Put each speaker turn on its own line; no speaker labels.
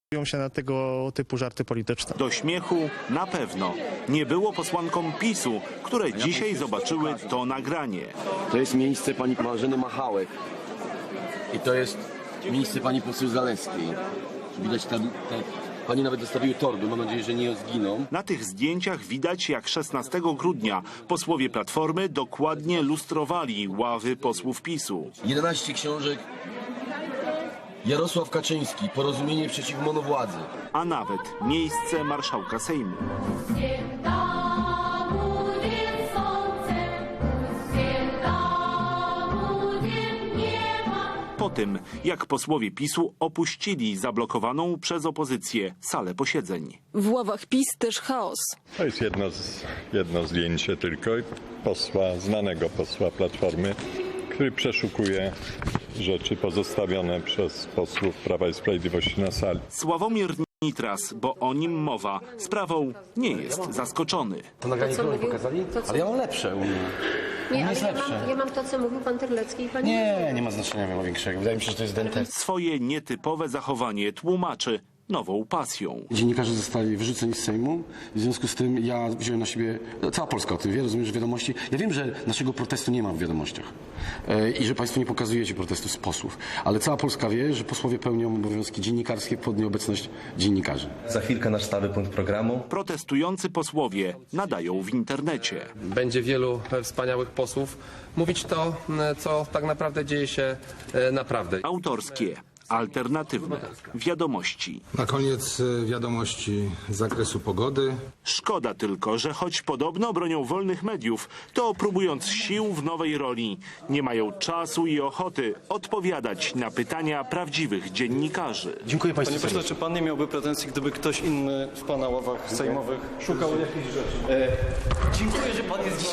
się na tego typu żarty polityczne.
Do śmiechu na pewno nie było posłankom PiS-u, które dzisiaj zobaczyły to nagranie.
To jest miejsce pani Marzeny Machałek i to jest miejsce pani poseł Zalewskiej. Widać tam, pani nawet dostawiły torby, mam nadzieję, że nie zginą.
Na tych zdjęciach widać, jak 16 grudnia posłowie Platformy dokładnie lustrowali ławy posłów PiS-u.
11 książek. Jarosław Kaczyński, Porozumienie przeciw monowładzy.
A nawet miejsce marszałka Sejmu. Po tym, jak posłowie PiS-u opuścili zablokowaną przez opozycję salę posiedzeń.
W ławach PiS też chaos.
To jest jedno zdjęcie tylko znanego posła Platformy, który przeszukuje rzeczy pozostawione przez posłów Prawa i Sprawiedliwości na sali.
Sławomir Nitras, bo o nim mowa, sprawą nie jest zaskoczony.
To nagranie, które pokazali? Ale ja mam lepsze u mnie.
Nie, ale ja mam to, co mówił pan Terlecki i pani...
Nie ma znaczenia miało większego. Wydaje mi się, że to jest dentest.
Swoje nietypowe zachowanie tłumaczy nową pasją.
Dziennikarze zostali wyrzuceni z Sejmu, w związku z tym ja wziąłem na siebie, cała Polska o tym wie, rozumiem, że wiadomości. Ja wiem, że naszego protestu nie ma w wiadomościach i że państwo nie pokazujecie protestu z posłów, ale cała Polska wie, że posłowie pełnią obowiązki dziennikarskie pod nieobecność dziennikarzy.
Za chwilkę nasz stały punkt programu.
Protestujący posłowie nadają w internecie.
Będzie wielu wspaniałych posłów mówić to, co tak naprawdę dzieje się naprawdę.
Autorskie, alternatywne wiadomości.
Na koniec wiadomości z zakresu pogody.
Szkoda tylko, że choć podobno bronią wolnych mediów, to próbując sił w nowej roli, nie mają czasu i ochoty odpowiadać na pytania prawdziwych dziennikarzy.
Dziękuję państwu.
Panie pośle, czy pan nie miałby pretensji, gdyby ktoś inny w pana ławach sejmowych szukał jakichś rzeczy?
Dziękuję, że pan jest dzisiaj